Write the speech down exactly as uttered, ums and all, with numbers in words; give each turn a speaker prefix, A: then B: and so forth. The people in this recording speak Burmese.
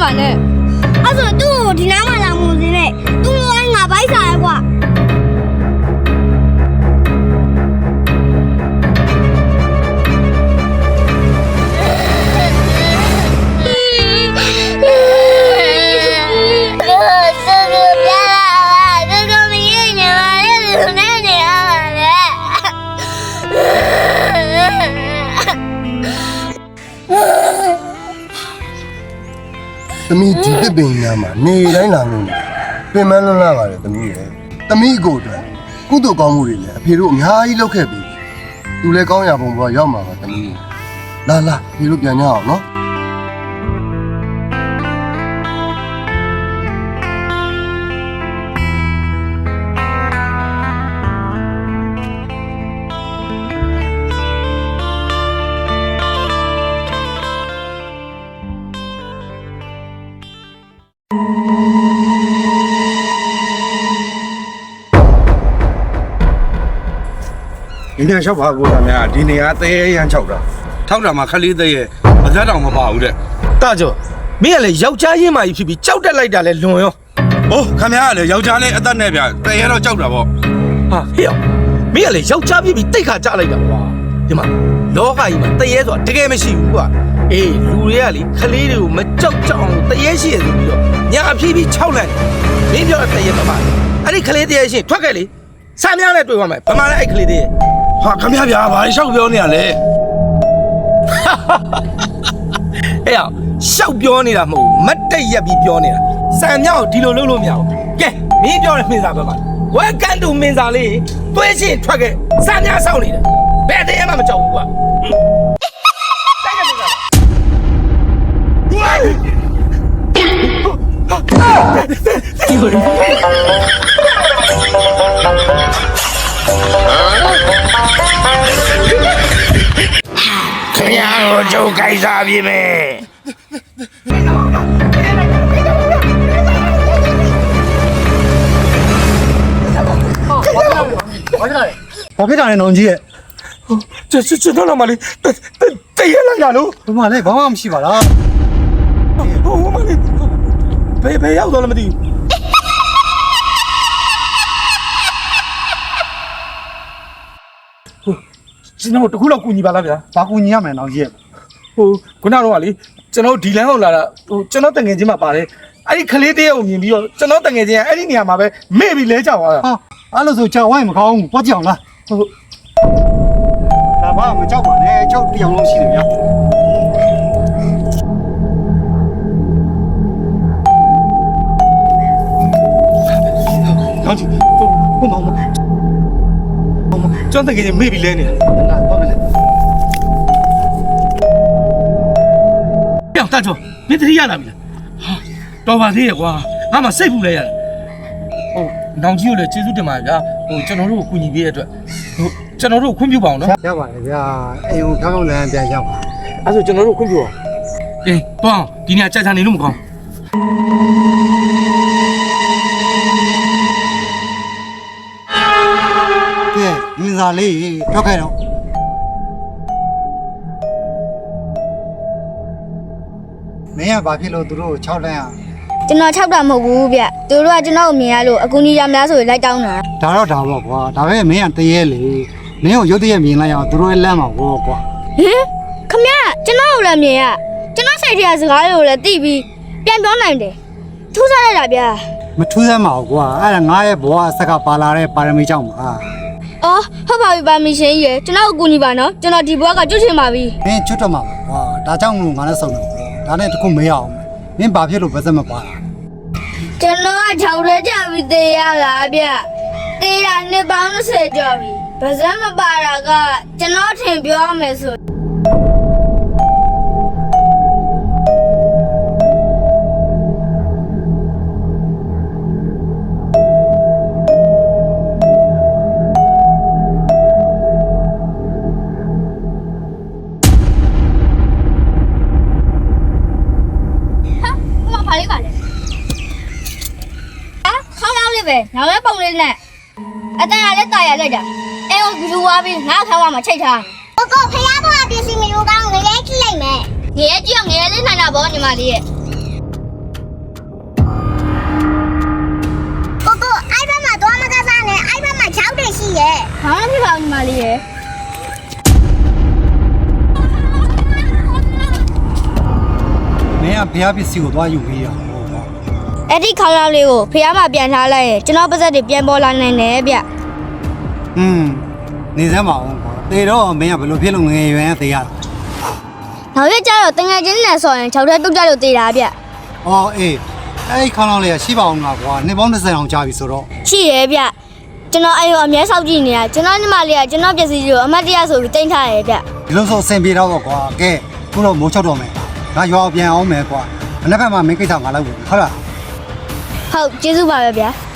A: ပါနဲ့အဲ့ဆိုသူ့ကိုဒီနားမှာလာမှုစင်းနဲ့သူ့လိုကငါဘိုက်စားရဲကွာ
B: သမီးဒီတစ်ပင်ညာမှာနေတိုင်းလာလို့ပင်မလွန်းလာပါတယ်သမီးရဲ့သမီးကိုအတွက်ကုသိုလ်ကောင်းမှုတွေလည်းအဖေတို့အများကြီးလုပ်ခဲ့ပြီသူလည်းကောင်းရပုံပေါ်ရောက်မှာပါသမီးလာလာဖေတို့ပြန်ကြအောင်နော်
C: ဒီနေရာလျှောက်ပါကိုသားများဒီနေရာသေးရမ်းချောက်တာထောက်တာမှာခလေးသေးရဲ့မသားတောင်မပါဘူးတဲ့
D: တာကျော်မင်းကလည်းယောက်ျားရင်းမာကြီးဖြစ်ပြီးကြောက်တက်လိုက်တာလဲလွန်ရော
C: ။အိုးခမရကလည်းယောက်ျားလေးအသက်နဲ့ဗျတရေတော့ကြောက်တာပေါ့
D: ဟာဟေ့ရောမင်းကလည်းယောက်ျားဖြစ်ပြီးတိတ်ခါကြလိုက်တာကွာဒီမှာလောကကြီးမှာတရေဆိုတာတကယ်မရှိဘူးကွာအေးလူတွေကလေခလေးတွေကိုမကြောက်ကြောက်အောင်တရေရှိရဆိုပြီးတော့ညာအဖြစ်ပြီးခြောက်လိုက်မင်းပြောတဲ့တရေမမအဲ့ဒီခလေးတရေရှိထွက်ခဲ့လေစမ်းများနဲ့တွေ့သွားမယ်ဗမာလည်းအဲ့ခလေးတရေ
C: ။ဟာခမရဗျာဘာလျှောက်ပြောနေရလဲ
D: အေးရောရှောက်ပြောနေတာမဟုတ်မတ်တက်ရက်ပြီးပြောနေတာစံမြောက်ဒီလိုလုပ်လို့မရဘူးကဲမင်းပြောတဲ့မင်းစားပဲမှာဝဲကန်တူမင်းစားလေးတွဲချင်းထွက်ခဲ့စံများစောင့်နေတယ်ဘယ်တည်းမှမကြောက်ဘူးကွာတိုက်ကမင်းစားဒီလိုခင်ဗျားတို့ကြိုးကြိုက်စားပြီမယ်
E: ဘာဖြစ်တာလဲနောင်ကြီးရဲ့
D: 这这这到了吗？哩，得得得也来呀喽！
E: ဘမလဲဘာမှမရှိပါလား
D: 我妈哩，别别要到了没得？ကျွန်တော်တခုလောက်ကူညီပါလားဗျာ
E: ဘာကူညီရမလဲနောင်ကြီးရဲ့
D: ဟိုခုနကတော့လေကျွန်တော်ဒီလမ်းဟုတ်လာတာဟိုကျွန်တော်တငယ်ချင်းမှာပါတယ်အဲ့ဒီခလေးတယောက်ကိုမြင်ပြီးတော့ကျွန်တော်တငယ်ချင်းကအဲ့ဒီနေရာမှာပဲမေ့ပြီးလဲကြောက်သွားတာ
E: ဟာအဲ့လိုဆိုကြောက်ဝိုင်းမကောင်းဘူးပွားကြည့်အောင်လားဟုတ်ဒါမှမကြောက်ပါနဲ့ကြောက်တရားလုံးရှိတယ်ဗျာ
D: နောင်ကြီးဟိုဟိုမောင်မောင်ကျွန်တော်တကယ်ကြီးမေ့ပြီးလဲနေတာ
E: လာတော့မယ်
D: ပြောင်းတတ်တော့မင်းတတိရလာပြီလားဟာတော်ပါသေးရဲ့ကွာငါမှစိတ်ပူလဲရတယ်ဟိုနောင်ကြီးကိုလည်းကျေးဇူးတင်ပါတယ်ဗျာဟိုကျွန်တော်တို့ကိုကူညီပေးတဲ့အတွက်ဟိုကျွန်တော်တို့ခွင့်ပြုပါအောင်နော်
E: ရပါတယ်ဗျာအိမ်ကိုကောင်းကောင်းလမ်းပြန်ရောက်ပါ
D: အဲ့ဆိုကျွန်တော်တို့ခွင့်ပြုအောင်အေးတွန်းဒီနေ့ကြာကြာနေလို့မကောင်း
E: ကဲမင်းသားလေးထွက်ခဲ့တော့မင်းကဘာဖြစ်လို့သူတို့ကို၆လမ်းอ่ะ
A: ကျွန်တော်၆တာမဟုတ်ဘူးဗျသူတို့ကကျွန်တော်ကိုမြင်ရလို့အကူကြီးရမလားဆိုရင်လိုက်တောင်းတာ
E: ဒါတော့ဒါပေါ့ကွာဒါပဲမင်းကတရေလေမင်းကိုရုတ်တရက်မြင်လိုက်အောင်သူတို့ရဲ့လမ်းမှာဘောကွာ
A: ဟင်ခမရကျွန်တော်ကိုလည်းမြင်ရကျွန်တော်စိတ်ထဲကစကားတွေကိုလည်းသိပြီးပြန်ပြောနိုင်တယ်ထူးဆန်းလိုက်တာဗျာ
E: မထူးစမ်းပါဘူးကွာအဲ့ဒါငါရဲ့ဘဝအဆက်ကပါလာတဲ့ပါရမီကြောင့်ပါ
A: အော်ဟုတ်ပါပြီပါမရှင်ကြီးရကျွန်တော်ကိုကူညီပါနော်ကျွန်တော်ဒီဘွားကကျွတ်ချင်ပါပြီ
E: မင်းချွတ်တော့မှာကွာဒါကြောင့်လို့ငါလည်းစုံတယ်ဒါနဲ့တခုမေးအောင်မင်းဘာဖြစ်လို့ဗစက်မပါတာ
A: ကျွန်တော်က၆ရက်ကြာပြီသေးရလားဗျသေတာနှစ်ပေါင်း၂၀ကျော်ပြီဗဇက်မပါတာကကျွန်တော်ထင်ပြောရမယ်ဆို ပဲငါလည်းပုံလေးနဲ့အတန်ရလည်းတာရလိုက်တာအဲကိုဘလူးဝါပြီးငါခါဝါမှာချိတ်ထားကိုကိုဖျားပေါ်ပစ္စည်းမလို့ကောင်းငရဲကြည့်လိုက်မယ်ငရဲကြည့်အောင်ငရဲလေးနိုင်တာဗောညီမလေးရဲ့ညီမလေးရဲ့
E: မင်းကဘုရားပစ္စည်းကိုသွားယူပေးရအောင်ကွာ
A: အဲ့ဒီခေါင်းလောက်လေးကိုဖះမပြန်ထားလိုက်ရင်ကျွန်တော်ပါဇက်တွေပြန်ပေါ်လာနိုင်တယ်ဗျ
E: อืมနေစမ်းပါအောင်ကွာတေတော့မင်းကဘယ်လိုဖြစ်လို့ငငယ်ရွယ်သေးရတာ
A: နောက်ရက်ကျတော့တငယ်ချင်းနဲ့ဆိုရင်၆ထဲတုတ်ကြလို့သေးတာဗျ
E: အော်အေးအဲ့ဒီခေါင်းလောင်းလေးကရှိပါအောင်လားကွာနှစ်ပေါင်း၂၀အောင်ကြာပြီဆိုတော့
A: ရှိရဲ့ဗျကျွန်တော်အဲ့ရောအမြဲစောင့်ကြည့်နေတာကျွန်တော်ညီမလေးကကျွန်တော်ပစ္စည်းတွေကိုအမတ်တရဆိုပြီးတင်ထားရဲ့ဗျ
E: ဒီလိုဆိုအဆင်ပြေတော့ကွာကဲခုတော့မိုးချောက်တော့မယ်ငါရွာပြန်အောင်မယ်ကွာမနေ့ကမှမင်းကိစ္စငါလုပ်ဘူးဟုတ်လား
A: ဟုတ်ကျေးဇူးပါပဲဗျာ